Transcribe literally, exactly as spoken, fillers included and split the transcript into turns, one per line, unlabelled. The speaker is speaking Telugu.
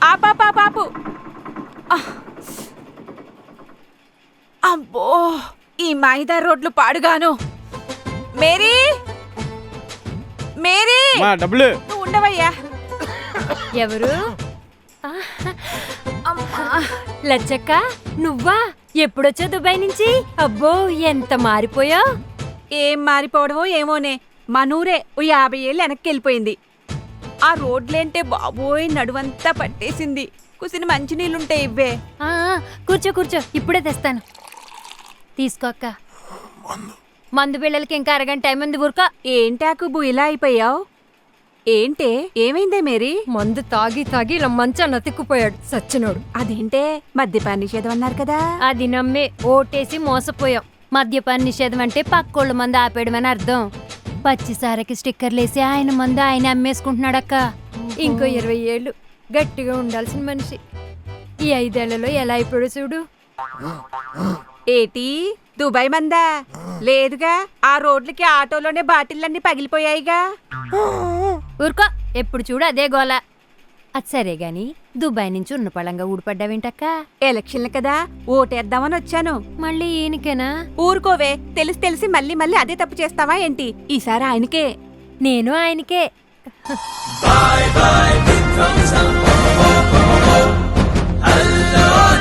ఆపాపా పాపు. అబ్బో, ఈ మైదా రోడ్లు పాడుగాను. మేరీ మేరీ
డబ్బులు
నువ్వు ఉండవయ్యా.
ఎవరు? లచ్చక్క, నువ్వా? ఎప్పుడొచ్చా దుబాయ్ నుంచి? అబ్బో, ఎంత మారిపోయావు.
ఏం మారిపోవడమో ఏమోనే, మనూరే ఓ యాభై ఏళ్ళు వెనక్కి వెళ్ళిపోయింది. ఆ రోడ్లేంటే బాబోయ్ నడువంతా పట్టేసింది. కుసిన మంచినీళ్ళుంటే ఇవ్వే.
ఆ, కూర్చో కూర్చో, ఇప్పుడే తెస్తాను. తీసుకో అక్క. మందు బిళ్ళలకి ఇంకా అరగంట టైం ఉంది. ఊరుకో.
ఏంటాకుబు ఇలా అయిపోయావు? ఏంటే ఏమైందే మేరీ?
మందు తాగి తాగి ఇలా మంచాన్ని అతిక్కుపోయాడు సచ్చినోడు.
అదేంటే మద్యపాన నిషేధం అన్నారు కదా?
అది నమ్మే ఓటేసి మోసపోయాం. మద్యపాన నిషేధం అంటే పక్కోళ్ళ మందు ఆపేయడం అని అర్థం. పచ్చిసారకి స్టిక్కర్లేసి ఆయన మందు ఆయన అమ్మేసుకుంటున్నాడక్క. ఇంకో ఇరవై ఏళ్ళు గట్టిగా ఉండాల్సిన మనిషి ఈ ఐదేళ్లలో ఎలా అయిపోయాడు చూడు.
ఏటి దుబాయ్ మందా? లేదుగా, ఆ రోడ్లకి ఆటోలోనే బాటిళ్ళన్నీ పగిలిపోయాయిగా.
ఊరుకో, ఎప్పుడు చూడు అదే గోల. అది సరే గాని దుబాయ్ నుంచి ఉన్న పళంగా ఊడిపడ్డావేంటక్క?
ఎలక్షన్లు కదా, ఓటేద్దామని వచ్చాను.
మళ్ళీ ఈయనకేనా?
ఊరుకోవే, తెలిసి తెలిసి మళ్ళీ మళ్ళీ అదే తప్పు చేస్తావా ఏంటి? ఈసారి ఆయనకే.
నేను ఆయనకే.
Bye bye,